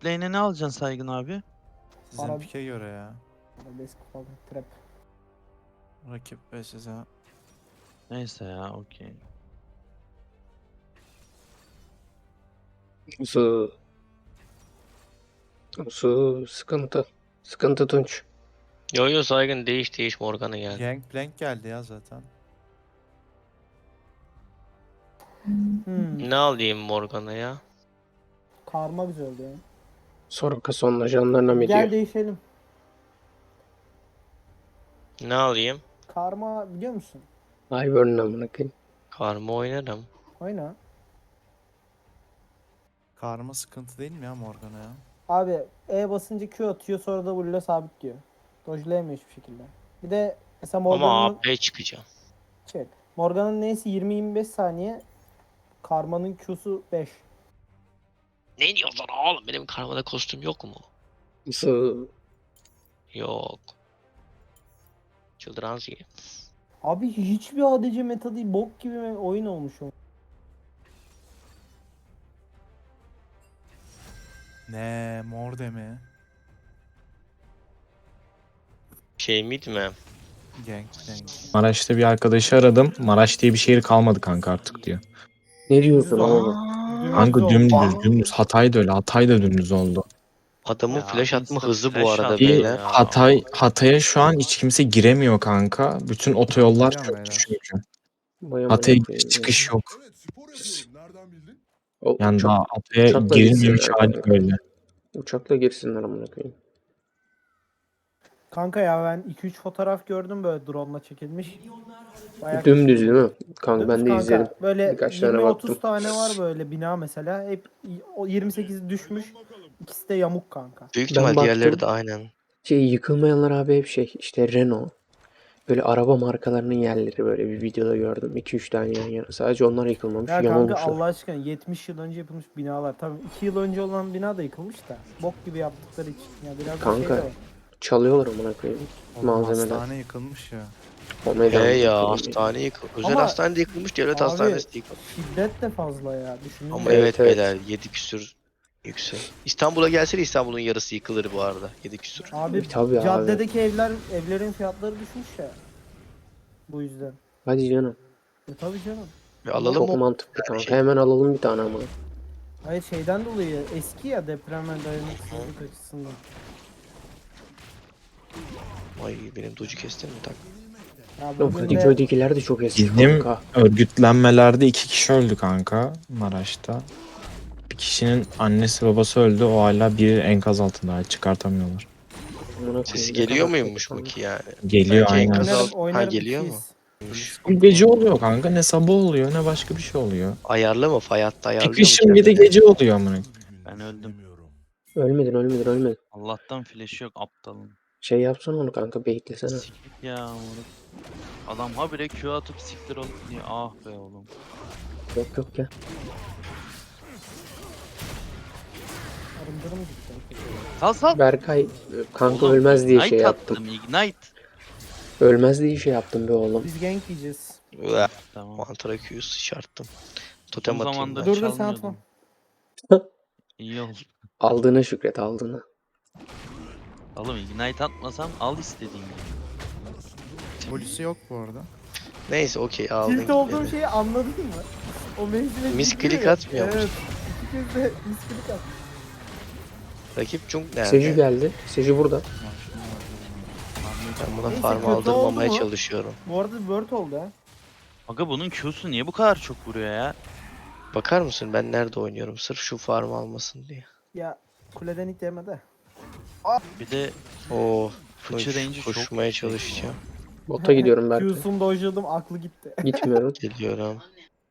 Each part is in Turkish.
Bot lane'e ne alacaksın Saygın abi? Sizin Ara- pike göre ya. Arabesk falan. Trap. Rakip ve size. Neyse ya okey. Su sıkıntı. Sıkıntı Tunç. Yo Saygın değiş Morgana geldi. Gangplank geldi ya zaten. Ne alayım Morgana'ya? Karma güzel oldu ya. Soraka son ajanlarına mı Gel diyor? değişelim. Ne alayım? Karma biliyor musun? Ivern'ın amına koyayım. Karma oynarım. Oyna. Karma sıkıntı değil mi ya Morgana ya? Abi E basınca Q atıyor sonra da W'le sabit diyor. Dodge'layamıyor hiçbir şekilde. Bir de mesela Ama Morgan'ın AP çıkacağım. Morgan'ın neyse 20-25 saniye. Karma'nın Q'su 5. Ne diyorsun oğlum? Benim karmada kostüm yok mu? Su. Yok. Çıldıran şey. Abi hiçbir ADC meta değil. Bok gibi oyun olmuş o. Ne morde mi? Şey mid mi? Gangplank. Maraş'ta bir arkadaşı aradım. Maraş diye bir şehir kalmadı kanka artık diyor. Ne diyorsun Aa. oğlum? Kanka oldu. dümdüz. Hatay da öyle. Hatay da dümdüz oldu. Adamın Ya, flash atma insta hızı bu flash arada attı beyler. ya. Hatay'a şu an hiç kimse giremiyor kanka. Bütün otoyollar Biliyorum çöktü beyler. çünkü. Vay amına Hatay'a koyayım ya. çıkış yok. Evet, spor yapıyorum. Nereden bildin? O Yani uçak, daha Hatay'a uçakla girilmemiş gitsinler hali kanka. böyle. Uçakla girsinler amına koyayım. Kanka ya ben 2-3 fotoğraf gördüm böyle drone'la çekilmiş. Bayağı Dümdüz değil mi? Kanka ben de Kanka, izledim. böyle Birkaç tane 20-30 baktım. tane var böyle bina mesela. Hep o 28 düşmüş. İkisi de yamuk kanka. Büyük Ben ihtimal diğerleri baktım. de aynen. Yıkılmayanlar abi hep işte Renault. Böyle araba markalarının yerleri böyle bir videoda gördüm. 2-3 tane yan yana. Sadece onlar yıkılmamış. Ya kanka Yamulmuşlar. Allah aşkına 70 yıl önce yapılmış binalar. Tabii 2 yıl önce olan bina da yıkılmış da. Bok gibi yaptıkları için. Ya biraz da şey Kanka, de var. Çalıyorlar amına koyayım. Oğlum Malzemeler. hastane yıkılmış ya. O meydan He ya yıkılıyor. hastane yıkılmış. Özel Ama- hastane de yıkılmış, devlet Abi, hastanesi de yıkılmış. Şiddet de fazla ya. Düşünün. Ama Evet, evet, evet. beyler 7 küsür yüksek. İstanbul'a gelseydi İstanbul'un yarısı yıkılır bu arada. 7 küsür. Abi Tabii abi. caddedeki evlerin fiyatları düşmüş ya. Bu yüzden. Hadi canım. Tabii canım. Ve alalım Çok mı? mantıklı kanka. şey. Hemen alalım bir tane ama. Hayır şeyden dolayı eski ya depreme dayanıksızlık açısından. Ay benim docu kestin mi tak? Ya O bugün de Kadıköy'dekiler de çok eski Bizim kanka. örgütlenmelerde 2 kişi öldü kanka Maraş'ta. Bir kişinin annesi babası öldü. O hala bir enkaz altında. Çıkartamıyorlar. Amına Sesi koyayım, ne geliyor kadar muymuş kötü bu ki yani? Geliyor Bence aynen. enkaz oynarım, alt- Ha oynarım geliyor mu? ikiyiz. Bu gece oluyor kanka. Ne sabah oluyor ne başka bir şey oluyor. Ayarlı mı? Fay hattı ayarlıyor mu? Çıkışın bir de kendine? gece oluyor amına. Ben öldüm. Ölmedin. Allah'tan flash'ı yok aptalın. Şey yapsana onu kanka, beklesene. Siktir ya moruk. Adam habire Q atıp siktir olup diye. Ah be oğlum. Yok ya. Arındırım gitti. Sal. Berkay kanka Oğlum, ölmez diye ignite şey yaptım. attım, Ignite. Ölmez diye şey yaptım be oğlum. Biz gank yiyeceğiz. Ulan, Tamam. Mantara Q'yu sıçarttım. Uzun Totem atayım zamandır ben. Dur, sen çalmıyordum. atma. İyi oldu. Aldığına şükret, aldığına. Oğlum Ignite atmasam al istediğin gibi. Polisi yok bu arada. Neyse okey aldın. Tilt olduğum gitmedi. şeyi anladın mı? O menzile Misklik gidiyor ya. atmıyor musun? Evet. İki kez de misklik at. Rakip Jung nerede? Seju geldi. Seju burada. Ben buna Neyse, farm kötü aldırmamaya oldu mu? çalışıyorum. Bu arada word oldu ha. Aga bunun Q'su niye bu kadar çok vuruyor ya? Bakar mısın ben nerede oynuyorum sırf şu farm almasın diye. Ya kuleden ilk yemede. Bir de Oo. fıçı range'i çok Koşmaya yüksek çalışacağım. Bota gidiyorum Berkay. Q'sunu dojladım aklı gitti. Gitmiyorum. Geliyorum.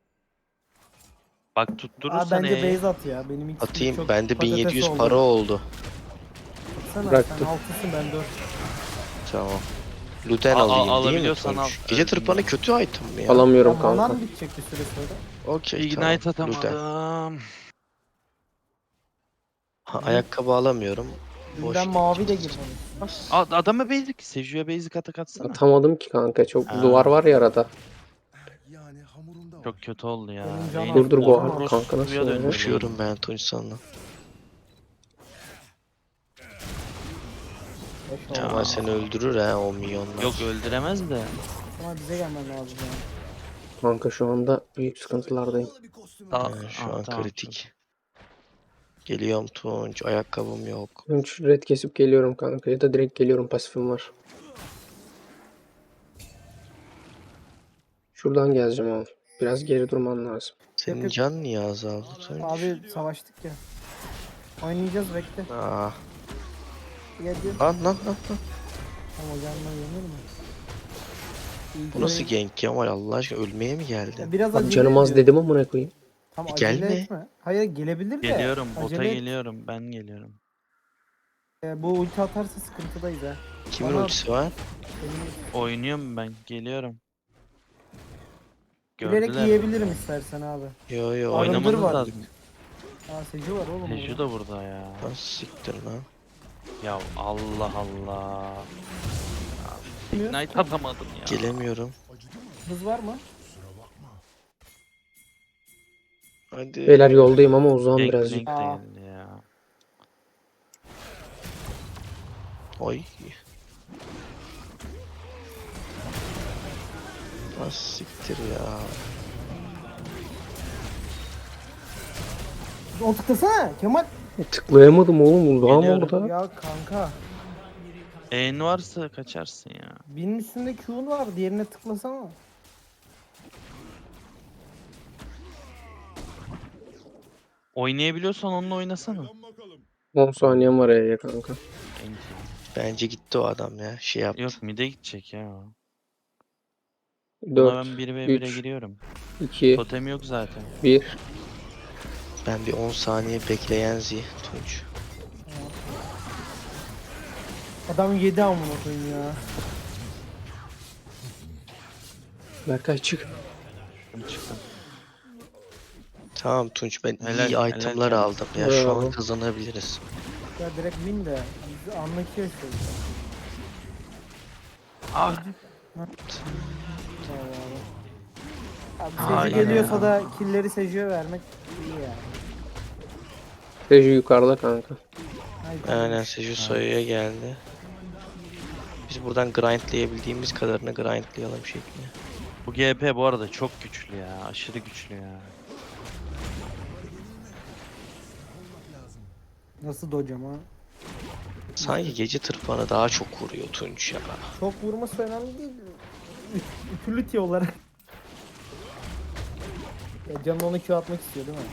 Bak Abi tutturursan bence E'ye. base at ya. Benim ilk Atayım çok bende patates 1700 oldu. para oldu. Baksana Bıraktım. sen 6'sın ben 4. Tamam. Luden Al- alayım değil mi alabiliyorsan Tunç? al. Gece tırpanı kötü item mi ya? Alamıyorum Ya manan kanka. bitecek bir süre sonra. Okey Ignite tamam. Luden. atamadım. Ha, ayakkabı alamıyorum. Boş Dünden mavi de girmemiş. Adama basic. Seju'ya basic atak atsana. Atamadım ki kanka. Çok Ha. duvar var ya arada. Yani hamurunda var. Çok kötü oldu ya. Benim canım Reyna Dur, bu Orospu'ya kanka nasıl döndü. oluyor? Koşuyorum ben Tunç sana. Boş ver. Kemal seni öldürür ha o milyonlar. Yok öldüremez de. Ama bize gelmen lazım yani. Kanka şu anda büyük sıkıntılardayım. Şu an kritik. Geliyorum Tunç. Ayakkabım yok. Önce red kesip geliyorum kanka ya da direkt geliyorum, pasifim var. Şuradan geleceğim abi. Biraz geri durman lazım. Senin yok. can niye azaldı Tunç? Abi savaştık ya. Oynayacağız bekle. Ah. Gel gel. Lan. Ama gelme yenir mi? İyi Bu ki nasıl de- gank Kemal Allah aşkına ölmeye mi geldin? Ya biraz Abi acele canım az ediyor. dedim ama ne koyayım. Tam E, acele gelme. etme. Hayır gelebilir de. Geliyorum. Bota Acele et. geliyorum. Ben geliyorum. Bu ulti atarsa sıkıntıdayız ha. Kimin Bana- ultisi var? Benim- Oynuyorum ben. Geliyorum. Bilerek Gördüler. yiyebilirim istersen abi. Yo Arındır Oynamanız var. lazım. Aa Seju var oğlum. Teju burada. da burada ya. Nasıl siktir lan? Ya Allah Allah. Ya, Bilmiyorum. Ignite atamadım ya. Gelemiyorum. Hız var mı? Hadi. Beyler yoldayım ama uzağım Gank birazcık. Gank Aa. değil ya. Oy. Nasıl siktir ya? O tıklasana Kemal. Tıklayamadım oğlum, uzağım Geliyorum. orada. Ya kanka. En varsa kaçarsın ya. Birinin üstünde Q'un var. Diğerine tıklasana. Oynayabiliyorsan onunla oynasana. 10 saniyem var ya kanka. Gank. Bence gitti o adam ya. Şey yaptı. Yok mid'e gidecek ya. o. Buna 4, ben 1v1'e 3, giriyorum. 2, Totem yok zaten. 1. Ben bir 10 saniye bekleyen Tunç. Adam yedi amına koyayım ya. Berkay çık. Çıktım. Tamam Tunç ben Helal- iyi helal itemlar Kemal. aldım ya. Şu an Bravo. kazanabiliriz. Ya direkt win de. Bizi anlatıyor şey. Ah. Abi Aynen Seju geliyorsa ya. da killleri Seju'ya vermek iyi yani. Teju yukarıda kanka. Haydi. Aynen Seju sayıya geldi. Biz buradan grindlayabildiğimiz kadarını grindlayalım şekli. Bu GP bu arada çok güçlü ya. Aşırı güçlü ya. Nasıl dojam ha? Sanki gece tırpanı daha çok vuruyor Tunç ya. Çok vurması önemli değil. Utility olarak. Ya canın onu Q atmak istiyor değil mi?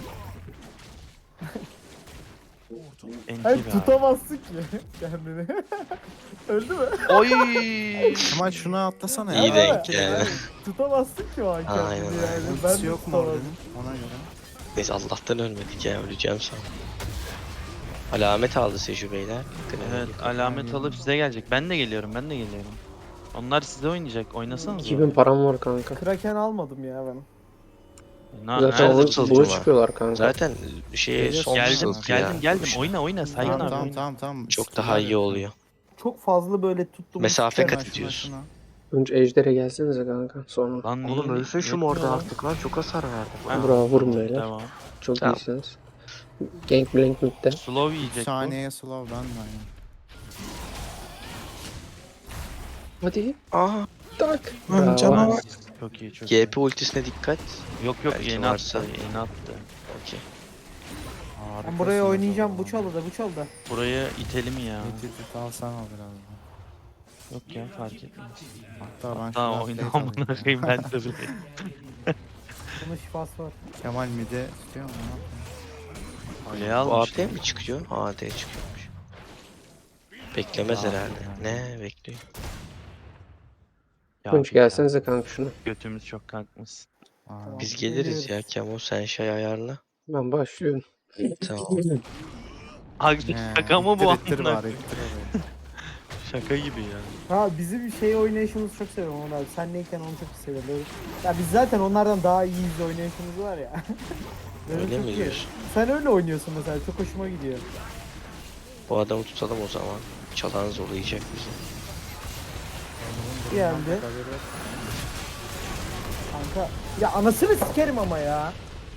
NT Hayır be abi. tutamazsın ki kendini. Öldü mü? Oy. Kemal şunu atlasana İyi ya. denk yani. Yani tutamazsın ki o an kendini Aynen, yani. aynen. Ben Ultisi de yok mu tutamazdım. orada? Ona göre. Biz Allah'tan ölmedik ya öleceğim sandım. Alamet aldı Seju beyler. Evet alamet alıp size gelecek. Ben de geliyorum. Onlar size oynayacak. Oynasanız. 2000 param var kanka. Kraken almadım ya ben. Zaten nerede onu fısıltı bunu var? çıkıyorlar kanka. Zaten şeye son Geldim fısıltı ya. geldim. Oyna Sayın Tamam abi. tamam oyna. tamam. Çok daha iyi oluyor. Çok fazla böyle tuttum. Mesafe Şuna, kat şuna, ediyorsun. şuna. Önce ejdere gelsenize kanka sonra. Lan Oğlum niye- ölsün şu yetmiyor morda lan. artık lan çok hasar verdim. Ha. Bravo vurun beyler. Tamam. Çok Tamam. iyisiniz. Gank mid'de. Slow 3 yiyecek bu. saniyeye slow ben de aynı. Hadi. Aha. Tak. Lan Bravo. canavar. Çok iyi çok iyi. GP ultisine dikkat. Yok Belki yeni varsa. attı. Yeni attı. Okey. Ben buraya oynayacağım. Bu çalıda bu çalıda. Buraya itelim ya. Git alsana biraz daha. Yok ya fark etmez. Hatta ben Tamam şuna oyna plate alayım amına ya. koyayım ben de bile. Bunun şifası var. Kemal mide tutuyor mu? Kuleye Bu almış. AP mi çıkıyor? AD çıkıyormuş. Beklemez Aa, herhalde. yani. Ne bekliyor? Ya Tunç bir ya, gelsenize kanka şunu. Götümüz çok kalkmış. Aa, Biz geliriz ya geliyoruz. Kemo sen şey ayarla. Ben başlıyorum. Tamam. Abi he, şaka mı bu ittir, ittir amına var, koyayım? ittir orayı. Şaka gibi ya. Ha bizim şey oynayışımızı çok seviyorum Onur abi. Sen neyken onu çok seviyorum. Böyle- Ya biz zaten onlardan daha iyi bir oynayışımız var ya. Böyle Öyle çok mi iyi. diyorsun? Sen öyle oynuyorsun mesela. Çok hoşuma gidiyor. Bu adamı tutalım o zaman. Çalan zorlayacak bizi. Geldi. Kanka. Ya anasını sikerim ama ya.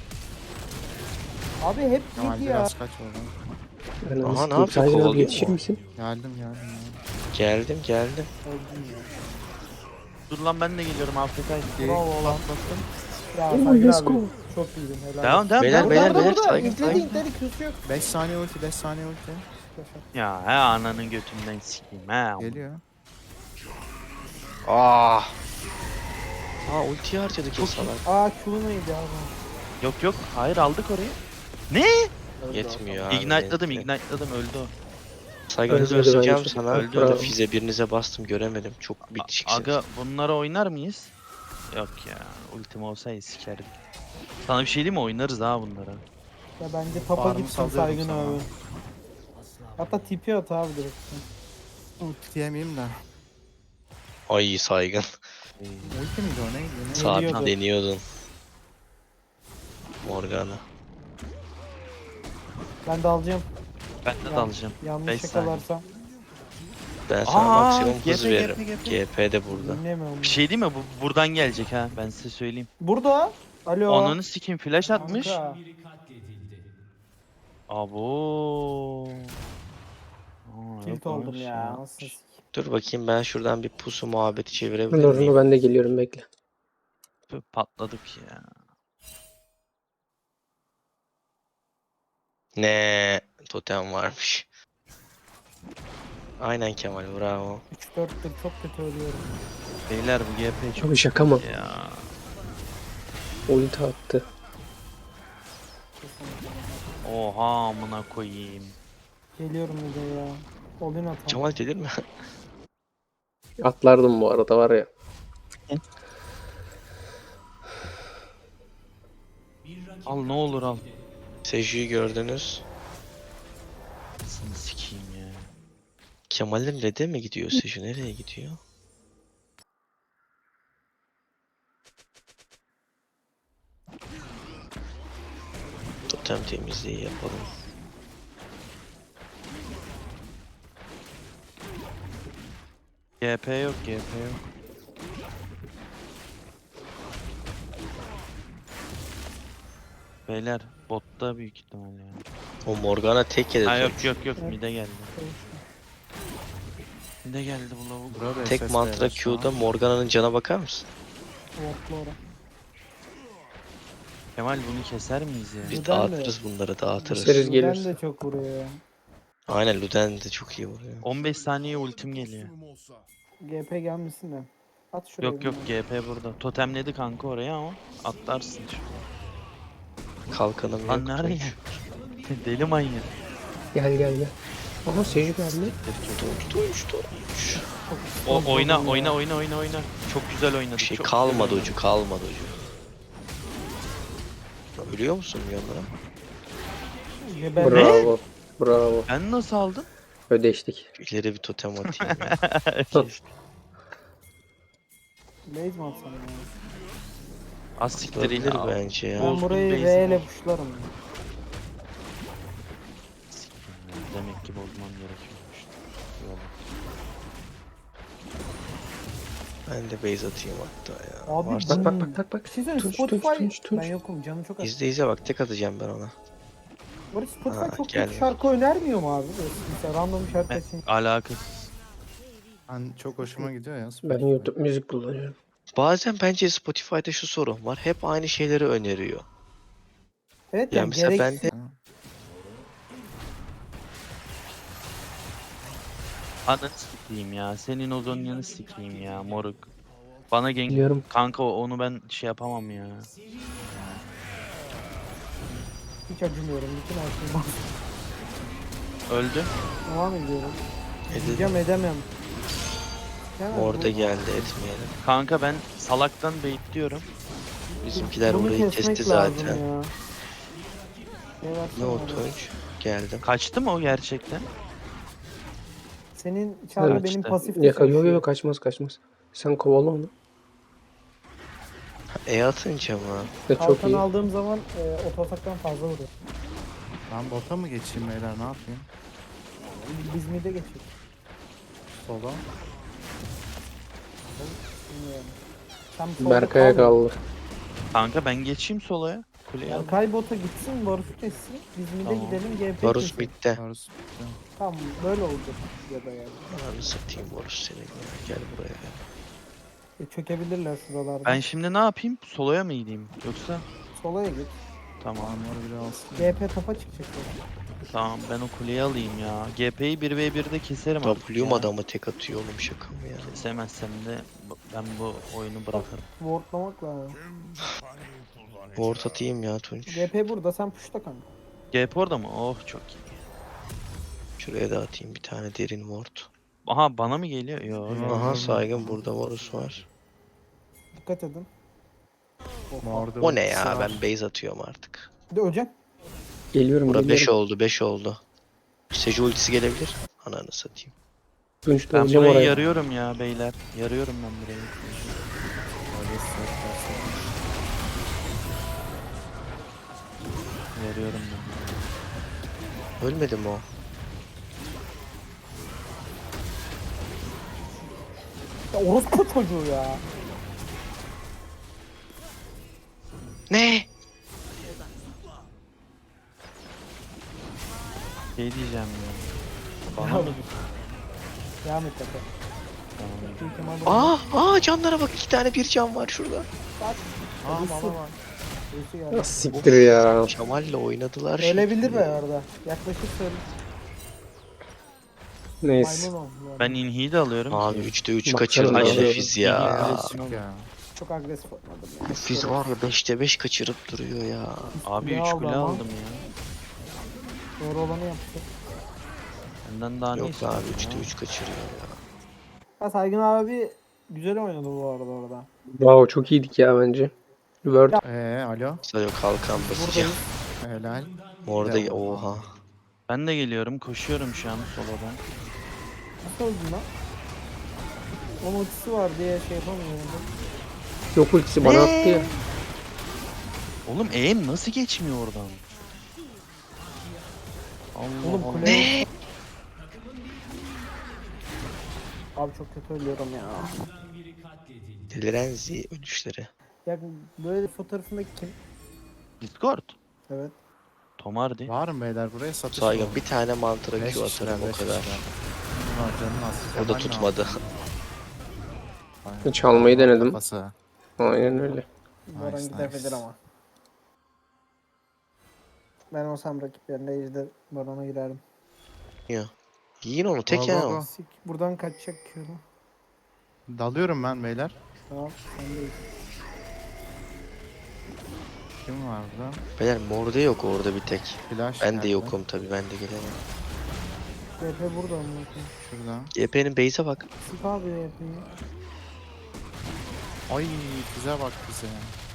Abi hep Kemal yedi ya. biraz kaç oradan. Ben Aha, nasıl ne yapıyor? Sayın abi Kovalıyor yetişir mu? misin? Geldim. Geldim. Öldüm ya. Dur lan ben de geliyorum Afrika'ya. Bravo lan. Ya Oh, Saygın let's abi. go. Çok iyiydin helal. Devam devam. Beyler, devam. beyler, Burada, burada. saygın, İntledi, saygın. intledi, Q'su yok. 5 saniye ulti 5 saniye ulti. Ya he ananın götünden sikeyim he. Geliyor. Aa ultiyi harcadık ya salak. Aa Q neydi abi? Yok yok hayır aldık orayı. Ne? Yetmiyor abi. Ignite'ladım neyse. öldü o. Saygınızı Ölmedi öleceğim bence. sana. Öldü, Öldü. öldü. Fize birinize bastım göremedim. Çok bitişiksiniz. Aga bunlara oynar mıyız? Yok ya ultim olsaydı sikerdik. Sana bir şey diyeyim mi oynarız ha bunlara. Ya bence tapa Farmı gitsin salıyorum Saygın sana. abi. Hatta tipi at abi direkt. Ulti diyemeyeyim de. Ay saygın. Ulti miydi o neydi? Ne? Sabit Geliyordu. deniyordun. Morgana. Ben de alacağım. Ben de dalacağım. Yanlış 5 saniye. yakalarsam. Ben sana Aa, maksimum hız GP, veririm. GP. GP de burada. Dinlemiyorum. Bir şey değil mi? Bu buradan gelecek ha. Ben size söyleyeyim. Burada. Alo. Ananı sikim flash atmış. Kanka. Abo. Aa, Tilt yok oldum olmuş ya. Nasıl sikeyim. Dur bakayım ben şuradan bir pusu muhabbeti çevirebilir Dur miyim? ben de geliyorum bekle. Tüh, patladık ya. Ne totem varmış. Aynen Kemal bravo. 3-4'tür çok kötü ölüyorum. Beyler bu GP çok Abi şaka mı? ya. Ulti attı. Oha amına koyayım. Geliyorum bir de ya. Olin atam. Kemal delir mi? Atlardım bu arada var ya. Al ne olur al. Seju'yu gördünüz. Seni sikeyim ya. Kemal'in red'e mi gidiyor Seju? Nereye gidiyor? Totem temizliği yapalım. GP yok GP yok. Beyler botta büyük ihtimal ya. O Morgana tek yedi. Ha yok Tunç. yok yok mide geldi. Mide geldi bu lavuk. Burada Tek SS mantra verir şu an. Q'da Morgana'nın cana bakar mısın? Ortlu ora. Kemal bunu keser miyiz ya? Biz Neden dağıtırız bunları dağıtırız. Keseriz. Luden gelirse. de çok vuruyor ya. Aynen Luden de çok iyi vuruyor. 15 saniye ultim geliyor. Maksimum olsa. GP gelmesin de. At şuraya. Yok yok bunu. GP burada. Totemledi kanka oraya ama atlarsın şu. Kalkanım Lan yok. nereye? Tunç. Deli manyak. Gel gel gel. Aha Seju geldi. Tunç. O oyna Oldum ya. oyna. Çok güzel oynadı. Bir şey çok kalmadı güzel ucu kalmadı ucu. Ölüyor musun milyonlara? Ben Bravo. Bravo. Ben nasıl aldım? Ödeştik. İleri bir totem atayım. ya. Blaze mi atsam ya? Az siktir Olabilir ya. bence ya. Ben Bozdum burayı base'i. R ile puşlarım. Demek ki bozmam gerekiyormuş. Yola. Ben de base atayım hatta ya. Abi Varsa- Bak bak bak bak. Bir şey söyleyeyim Tunç, Spotify. Tunç, Tunç. Ben yokum canım çok az. İzle bak tek atacağım ben ona. Barış Spotify Ha, çok geldi. kötü şarkı önermiyor mu abi? Böyle mesela random şarkı Ben- için. Alakasız. Ben çok hoşuma gidiyor ya. Ben Spotify. YouTube müzik kullanıyorum. Bazen bence Spotify'da şu sorun var. Hep aynı şeyleri öneriyor. Evet Ya yani mesela ben gereksiz. de Ananı sikeyim ya. Senin o zonyanı sikeyim ya moruk. Bana gank... Biliyorum. Kanka onu ben şey yapamam ya. Hiç acımıyorum. Bütün her şeyi bak. Öldü. Devam ediyorum. Edin. Diyeceğim edemem. Yani orada bu- geldi etmeyelim. Kanka ben salaktan baitliyorum. Bizimkiler bunu burayı kesmek kesti lazım zaten. ya. Ne o bana. Tunç? Geldim. Kaçtı mı o gerçekten? Senin içeride Evet, benim işte. pasif Yo yo kaçmaz kaçmaz. Sen kovala onu. Atınca mı? Ve çok Kalkan iyi. aldığım zaman ototaktan fazla vuruyor. Ben bota mı geçeyim beyler ne yapayım? Biz mid'e geçiyoruz. Sola. Bilmiyorum. Sen solda Berkay'a kal. kaldı. Kanka ben geçeyim solaya. kuleyi al. Kay bota gitsin, Varus'u kessin. Biz mid'e Tamam. gidelim, GP Varus kesin. bitti. Varus. Tamam, böyle olacak ya da yani. Ananı satayım Varus seni. Ya. Gel buraya ya. Çökebilirler şuralarda. Ben şimdi ne yapayım? Solo'ya mı gideyim? Yoksa? Solaya git. Tamam. Armor bile alsın. GP topa çıkacak. Tamam ben o kuleyi alayım ya. GP'yi 1v1'de keserim artık W'm ya. adamı tek atıyor oğlum, şaka mı ya? Kesemezsem de ben bu oyunu bırakırım. Wardlamak lazım. Ward atayım ya Tunç. GP burada, sen push'ta kanka. GP orada mı? Oh çok iyi. Şuraya da atayım bir tane derin ward. Aha bana mı geliyor? Yok. Aha saygın burada Varus var. Dikkat edin. Morda O ne ultisi ya, var. ben base atıyorum artık. Bir de öleceğim. Geliyorum Bura 5 geliyorum. oldu 5 oldu. Seju ultisi gelebilir. Ananı satayım. Tunç da Ben öleceğim burayı oraya. yarıyorum ya beyler. Yarıyorum ben burayı. Öyle hissettirse. Yarıyorum ben. Ölmedi mi o? Ya orospu çocuğu ya. Ne? Şey diyeceğim ya. Bana Devam mı? et. Devam et tepe. Tamam. Büyük ihtimalle Canlara bak, 2 tane bir can var şurada. Birisi- birisi geldi. Ya siktir ya. Kemal'le oynadılar. Ölebilir şimdi. be arada. Yaklaşık söyle. Neyse. Maymun ol. yani. Ben inhiyi de alıyorum. Abi 3'te 3 Baksana kaçırdı ya. yine Fiz ya. Agresif ya. Çok agresif oynadım ya. Bu Fiz var ya 5'te 5 kaçırıp duruyor ya. Abi Ne 3 aldı kule ama? aldım ya. Doğru olanı yaptı. Benden daha ne Yok istiyorsun abi ya? 3'te 3 kaçırıyor ya. Ha Saygın abi güzel oynadı bu arada orada. Wow çok iyiydik ya bence. Word. Alo. Sayo kalkan basacağım. Buradayız. Helal. Orada Bir de oha. Ben de geliyorum. Koşuyorum şu an solodan. Nasıl öldün lan? Onun ultisi var diye şey yapamıyorum. Yok ultisi bana attı ya. Oğlum aim nasıl geçmiyor oradan? Allah Oğlum Allah. kule. Abi çok kötü ölüyorum ya. Delirenzi ölüşleri. Ya böyle fotoğrafındaki kim? Discord. Evet. Tomardi. Var mı beyler buraya satış Saygın var. bir tane mantıra Beş Q kişiler, atarım o beş kadar. kişiler. Ulan canın az. O da Kemal ne tutmadı. yaptı? Aynen. Çalmayı denedim. Kafası. Aynen öyle. Baran Nice, gidebilir nice. ama. Ben olsam rakiplerinde ejder Baron'a girerdim. Yiyin onu tek Go, ya go, o. go. Sik buradan kaçacak Q'lu. Dalıyorum ben beyler. Tamam sendeyiz. Kim var burada? Beyler morde yok orada bir tek. Flash Ben de geldi. yokum tabi, ben de gelemem. GP burada mı? Şurada. GP'nin base'e bak. Sik abi GP'yi. Ay bize bak bize.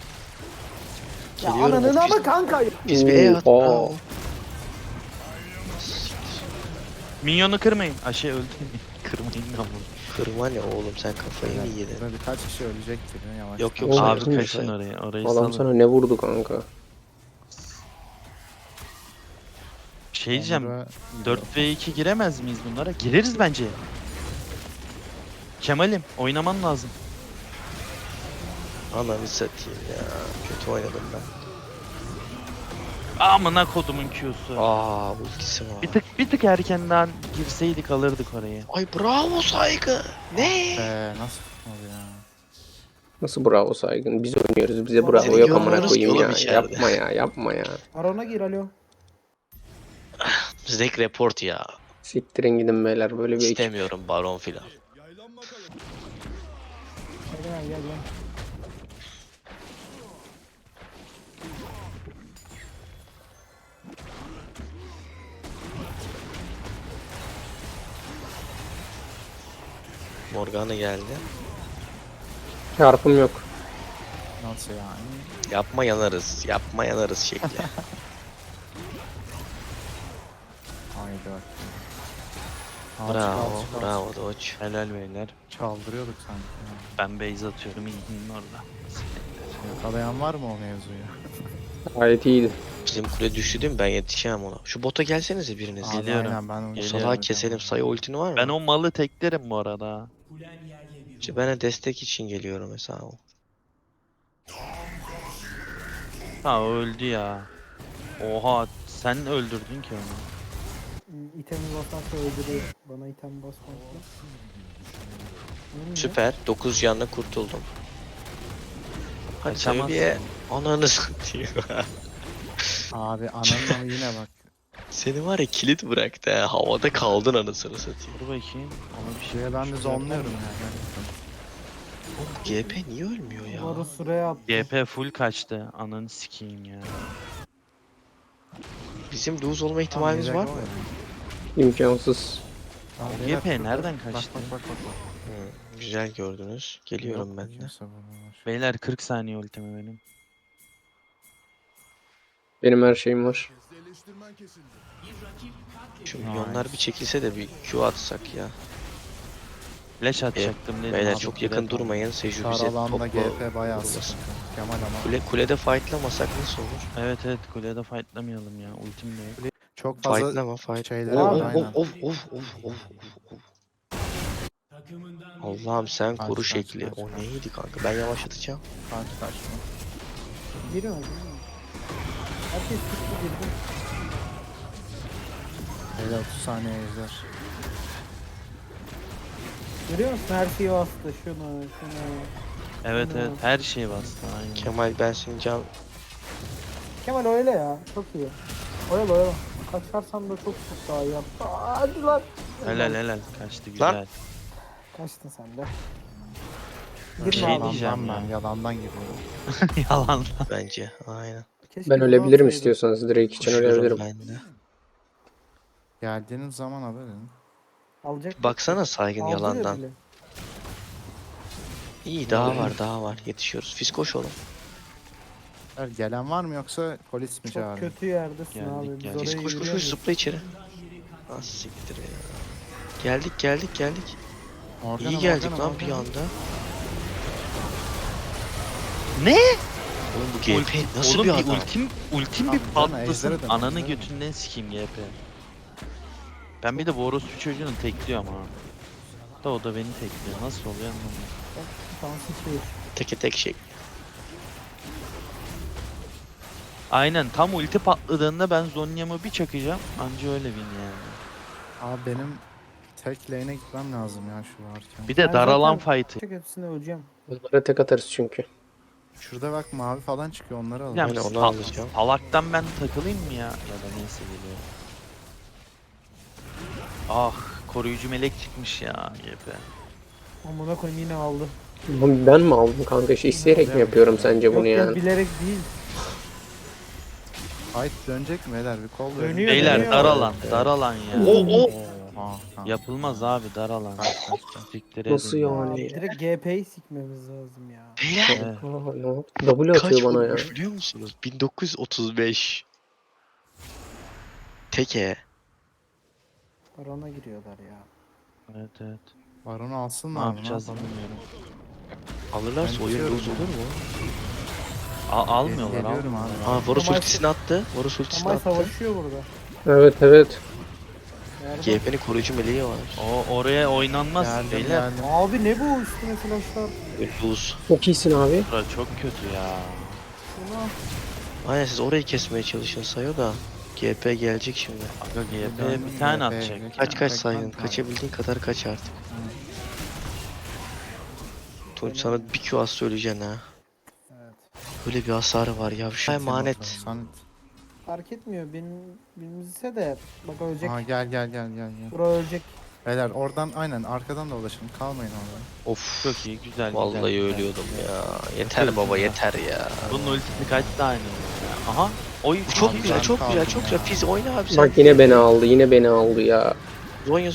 Ya Geliyorum, ananın biz- ama kanka. Biz bir E at. Oo. Bravo. Minyonu kırmayın. Şey öldü. Kırmayın lan bunu. Kırma ne oğlum, sen kafayı mı yedin? Burada birkaç kişi ölecektir ya, yavaş. Yok, yok, Oğlum, Abi kim kaçın say? oraya. Orayı Adam salın. sana ne vurdu kanka? Şey diyeceğim. Onur'a 4v2 giremez miyiz bunlara? Gireriz bence. Kemal'im oynaman lazım. Ananı satayım ya. Kötü oynadım ben. Amına kodumun Q'su. Ultisi var. Bir tık erkenden girseydik alırdık orayı. Ay bravo saygı. Ne? nasıl tutmadı ya? Nasıl bravo saygın? Biz oynuyoruz bize Seni bravo yok amına görmüyoruz koyayım ki ya. oğlum içeride. Yapma ya yapma ya. Baron'a gir alo. Zek report ya. Siktirin gidin beyler böyle bir ekip. İstemiyorum baron filan. Yaylan bakalım. Gel gel gel. Morgana geldi. Çarpım yok. Nasıl yani? Yapma yanarız. Yapma yanarız şekli. Haydi bak. bravo. Bravo Doç. Helal beyler. Çaldırıyorduk sanki. ya. Ben base atıyorum inhinin orada. Yakalayan var mı o mevzuyu? Gayet iyiydi. Bizim kule düştü değil mi? Ben yetişemem ona. Şu bota gelsenize biriniz. Abi Geliyorum. aynen, ben onu O Geliyorum. salağı keselim. Sayı ultini var mı? Ben o malı teklerim bu arada. İşte ben de destek için geliyorum mesela o. Ha öldü ya. Oha sen öldürdün ki onu. İtemi basarsa öldürüyor. Bana item basmazsa. Süper. 9 canla kurtuldum. Hadi Kaçamazsın. seviye ananı satayım. Abi ananın ama yine bak. Seni var ya kilit bıraktı ha. Havada kaldın anasını satayım. Dur bakayım. Ona bir şey. Şuraya ben de yapar zonluyorum mı? yani. Oğlum GP niye ölmüyor ya? Varus sıraya attı. GP full kaçtı. Ananı sikeyim ya. Bizim lose olma ihtimalimiz var mı? İmkansız. Tamam, O beyler, GP şurada. nereden Bak, kaçtı? bak. Güzel gördünüz. Geliyorum Yok, ben de. kimse burada var. Beyler 40 saniye ultimi benim. Benim her şeyim var. Eleştirmen kesildi. Şu milyonlar bir çekilse de bir Q atsak ya. Flash atacaktım dedim. Beyler abi, çok direkt yakın aldım. durmayın. Seju Dar bize alanda topla GP bayağı vurmasın. sıkıntı. Kemal ama Kulede fightlamasak nasıl olur? Evet evet kulede fightlamayalım ya. Ultim de yok. çok fazla Fightlama fight. şeyler Of var of aynen. of. Allah'ım sen Kaç, koru kaç, şekli. kaç, O kaç. neydi kanka? Ben yavaşlatacağım. Kaçma. Giriyor mu? Herkes çıktı girdi. Beyler 30 saniye ejder. Görüyor musun? Her şeyi bastı. Şunu. Evet Ana. evet her şey bastı aynen. Kemal ben senin can... Kemal öyle ya. Çok iyi. Oyalı. Kaçarsan da çok daha iyi yaptı. Hadi lan. Helal kaçtı güzel. Kaçtın sen de. Bir Girme şey abi. diyeceğim Yalandan ben ya. yalandan giriyorum. Yalan. Bence. Aynen. Keşke Ben bunu ölebilirim alsaydım. istiyorsanız. Drake için Koşuyorum ölebilirim. ben de. Geldiğiniz zaman haber edin. Alacak. Baksana saygın Aldı ya yalandan. bile. İyi daha var. Yetişiyoruz. Fiz koş oğlum. Beyler, gelen var mı yoksa polis mi Çok çağırıyor? kötü yerdesin Geldik, abi. Biz geldik. Fiz oraya koş yürüyemeyiz. zıpla içeri. Ah siktir ya. Geldik. Morgana, İyi geldik Morgana, lan bir Morgana. anda. Ne? Oğlum bu GP nasıl Oğlum bir bir adam? ultim bir Abi, bana patlasın. ejderi de, Ananı ejderi de. götünden sikeyim GP. Ben bir de bu orospu çocuğunu tekliyorum ha. Da o da beni tekliyor. Nasıl oluyor anlamadım. Şansı şey. Teke tek şey. Aynen tam ulti patladığında ben Zonya'mı bir çakacağım. Anca öyle win yani. Abi benim tek lane'e gitmem lazım ya şu varken. Bir de Ben daralan zaten fight'ı. Çok hepsine öleceğim. Bunlara tek atarız çünkü. Şurada bak mavi falan çıkıyor onları alalım. Ya Aynen, onu sal- alacağım. salaktan ben takılayım mı ya? Ya da neyse geliyor. Ah koruyucu melek çıkmış ya GP. Amına koyayım yine aldı. Ben mi aldım kanka? İsteyerek mi yapıyorum sence bunu Yok yani? bilerek değil. Fight dönecek mi beyler? Bir kol verin. Dönüyor, Beyler dönüyor. dar alan ya. Oha. Yapılmaz abi dar alan. Siktir Nasıl edin. yani? Abi, direkt GP'yi sikmemiz lazım ya. Beyler Evet. Aa, ne yaptı? W kaç atıyor bana ya. vurmuş biliyor musunuz? 1935. Teke. Barona giriyorlar ya. Evet evet. Baron'u Ne alsınlar mı? yapacağız yapalım? bilmiyorum. Alırlarsa Ben oyun tutuyorum lose ya. olur mu? Almıyorlar Geliyorum almıyorlar. abi. Aa Varus Kemal- ultisini attı. Varus ultisini Kemal attı. savaşıyor burada. Evet. Nerede? GP'nin koruyucu meleği var. Oraya oynanmaz Geldim beyler. geldim. Abi ne bu üstüne flashlar? Lose. Çok iyisin abi. Bura çok kötü ya. Şuna. Aynen siz orayı kesmeye çalışın Sayo da. GP gelecek şimdi. Aga GP Döndüm bir tane GP 'ye. atacak. Kaç ya. saygın. Kaçabildiğin kadar kaç artık. Tunç sana bir Q az söyleyeceksin ha. Evet. Böyle bir hasarı var ya. Şu emanet. Sanet. Fark etmiyor benimse de. Bak ölecek. Aha gel. Bura ölecek. Beyler oradan aynen arkadan dolaşın. Kalmayın orada. Of. Çok iyi güzel Vallahi güzel, güzel. ölüyordum ya. Yeter baba yeter ya. Bunun ultisi kaç tane ya? Aha. Oy Bu çok Abi güzel, ben çok güzel, kaldım çok ya. güzel. Fiz oyna abi sen. Bak yine beni aldı. Yine beni aldı ya. Zonya.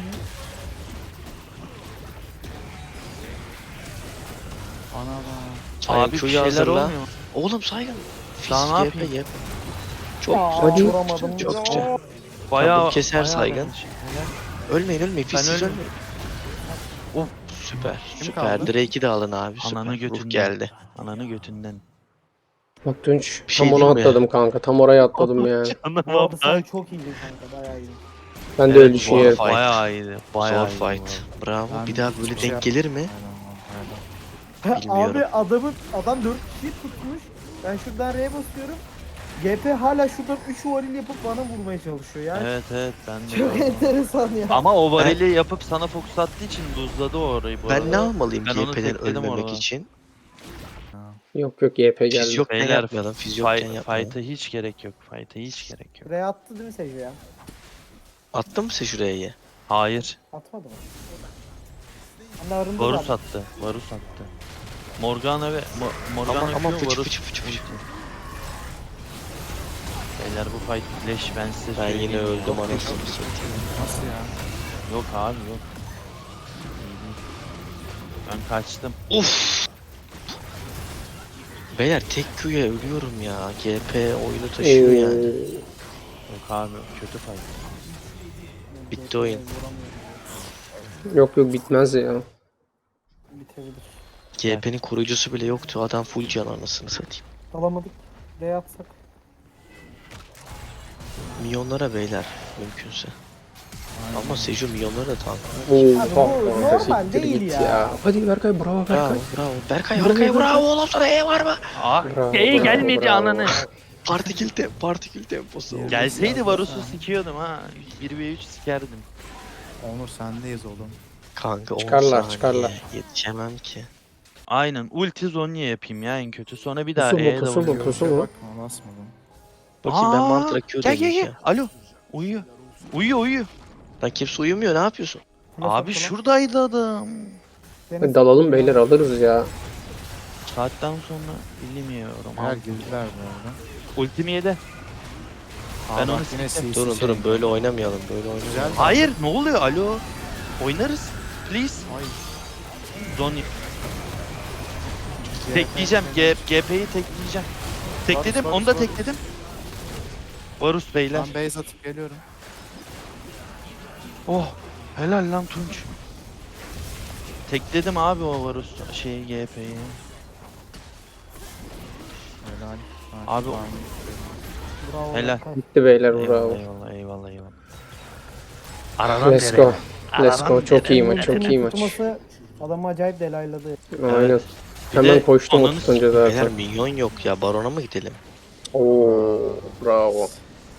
Ana bak. Saygın Abi bir Q'yu şeyler hazırla. olmuyor. Oğlum saygın. Fiz Daha ne GP yapayım? yap. Çok Aa, güzel, çok vuramadım. güzel, çok güzel. Bayağı bunu keser bayağı saygın. yanlış. Helal. Ölmeyin. Fiz siz ölmeyeyim. ölmeyin. Of. Süper, Kim süper. kaldı? Drake'i de alın abi. Ananı Süper. Ruh götünden. geldi. Ananı götünden. Bak Tunç. Bir şey Tam ona diyeyim mi? atladım kanka. Tam oraya atladım ya. Bu arada sen çok iyiydin kanka. Bayağı iyiydin. Ben de öyle düşünüyorum. fight. Bayağı iyiydi. Bayağı Zor iyiydi fight. Bravo. Ben Bir daha hiçbir böyle şey denk gelir mi? Aynen. Bilmiyorum. Abi adam 4 kişiyi tutmuş. Ben şuradan R'ye basıyorum. GP hala şuradan 3 varil yapıp bana vurmaya çalışıyor yani. Evet ben de. Çok enteresan ya. Ama o varili yapıp sana fokus attığı için buzladı o orayı bu Ben arada. ne almalıyım Ben onu GP'den tekledim ölmemek orada. için? Yok GP geldi. Fiz yokken Beyler, yapmayalım. Fiz yokken yapmayalım. Fight'a hiç gerek yok. Fight'a hiç gerek yok. R attı değil mi Seju ya? Attın mı sen şuraya? Hayır. Atmadı mı? Ben de arındı Varus zaten. attı. Varus attı. Morgana ve Morgana Ama Q, fıçı Varus. fıçı fıçı fıçı. Beyler bu fight flash ben size Ben söyleyeyim. yine öldüm Yok, anasını satayım. Nasıl ya? Yok abi yok. İyi değil. Ben kaçtım. Uf. Beyler tek Q'ya ölüyorum ya. GP oyunu taşıyor yani. Yok abi kötü fight. Bitti oyun. Yok bitmez ya. Bitebilir. GP'nin koruyucusu bile yoktu. Adam full can anasını satayım. Alamadık. R atsak. Milyonlara beyler mümkünse. Ama Seju milyonlara da tank. Abi bu Oha. normal Siktir değil git ya. Hadi Berkay bravo Berkay. Bravo bravo. Berkay bravo oğlum sana E var mı? Ah Bravo, iyi bravo, gelmedi bravo. ananı. Partikül temposu. Gelseydi Varus'u sikiyordum ha. 1v3 sikerdim. Onur sendeyiz oğlum. Kanka 10 Çıkarlar, saniye. çıkarlar. Yetişemem ki. Aynen ulti Zonya yapayım ya en kötü. Sonra bir daha Pusu mu E'ye pusu mu vuruyorum. pusu mu? Bakma basmadım. Bakayım ben Aa, mantra Q Gel deneyeceğim. Alo. Uyuyor. Uyuyor. Lan kimse uyumuyor ne yapıyorsun? Abi şuradaydı adam. Hadi dalalım beyler alırız ya. Saatten sonra bilmiyorum. Eğer Abi. girdiler bu arada. Ultimi yedi. Aa, Ben bak onu yine siktim. CC Durun durun böyle oynamayalım böyle oynamayalım. Güzel. Hayır ne oluyor? Alo. Oynarız. Please. Zonya. Tekleyeceğim. GP'yi tekleyeceğim. Tekledim. Varus, Onu da Varus. tekledim. Varus beyler. Ben base atıp geliyorum. Oh. Helal lan Tunç. Tekledim abi o Varus GP'yi. Helal. Abi- Bravo. Helal. Berkay. Bitti beyler bravo. Eyvallah. Aradan Let's nereye? go. Let's go. Çok iyi maç, Ultinin çok iyi maç. tutması adamı acayip delayladı. Aynen. Bir Hemen de koştum o ananı tutunca Beyler zaten. minyon yok ya barona mı gidelim? Oo bravo.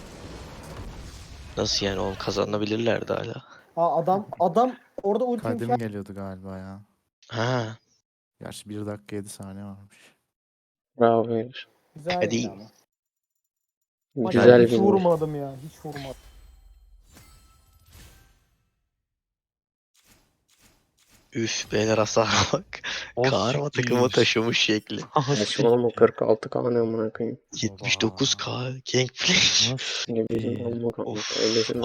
Nasıl yani oğlum kazanabilirlerdi hala. Aa adam orada ulti Kadim geliyordu galiba ya. Ha. Gerçi 1 dakika 7 saniye varmış. Bravo beyler. güzel Hadi. yedi ama. Maç Güzel hiç bir vurmadım ya. Hiç vurmadım. Üf beyler hasara bak. O Karma siktir. takımı taşımış şekli. Saçmalama 46 kan amına koyayım. 79k Gangplank. Ne bizim amma kanka. Öylesin.